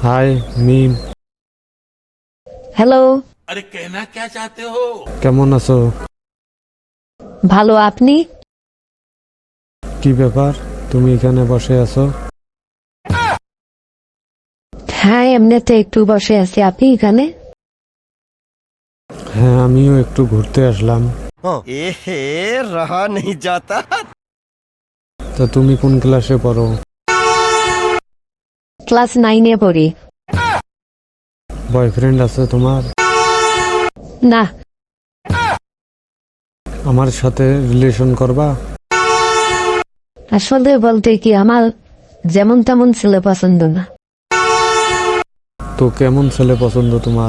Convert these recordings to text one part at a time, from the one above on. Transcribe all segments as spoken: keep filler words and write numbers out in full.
हाय meme. Hello. अरे कहना क्या चाहते हो? কেমন আছো? ভালো, আপনি? কি ব্যাপার, তুমি এখানে বসে আছো? হ্যাঁ, এমনিতে একটু বসে আছি। আপনি এখানে? হ্যাঁ, আমিও একটু ঘুরতে আসলাম। এহে রহা নেই যাতা। তো তুমি কোন ক্লাসে পড়ো? ক্লাস নাইনে পড়ি। বয়ফ্রেন্ড আছে তোমার? না। আমার সাথে রিলেশন করবা? আসলে বলতে কি, আমার যেমন তেমন ছেলে পছন্দ না। তো কেমন ছেলে পছন্দ তোমার?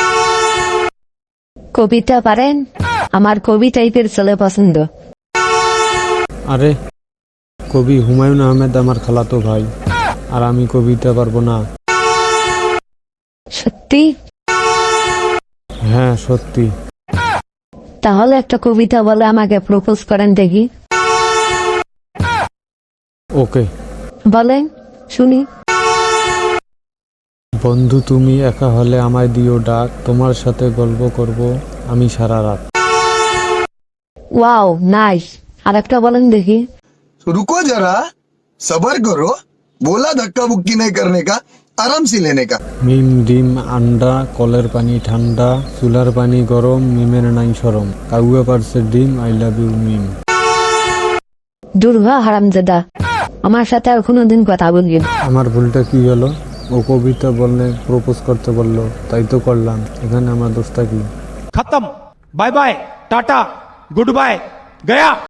কবিতা পারেন? আমার কবি টাইপের ছেলে পছন্দ। আরে, কবি হুমায়ুন আহমেদ আমার খালাতো ভাই, আর আমি কবিতা পারবো না। সত্যি? হ্যাঁ সত্যি। তাহলে একটা কবিতা বলে আমাকে প্রপোজ করেন দেখি। ওকে, বলেন শুনি। বন্ধু তুমি একা হলে আমায় দিও ডাক, তোমার সাথে গল্প করব আমি সারা রাত। Wow, nice. আর একটা বলেন দেখি। रुको जरा, सबर करो। बोला धक्का बुक्की नहीं करने का, आराम से लेने का। মিম ডিম আন্ডা, কলের পানি ঠান্ডা, চুলার পানি গরম, মিমের নাই সরম, কাউয়া পারছে ডিম, আই লাভ ইউ মিম। দুর্ভা হারামজাদা, আমার সাথে আর কোনোদিন কথা বলবি না। আমার ভুলটা কি হলো? ও কবিতা বললে প্রপোজ করতে বললো, তাই তো করলাম। এখানে আমার দোষটা কি? खत्म। Bye bye, tata, good bye, गया।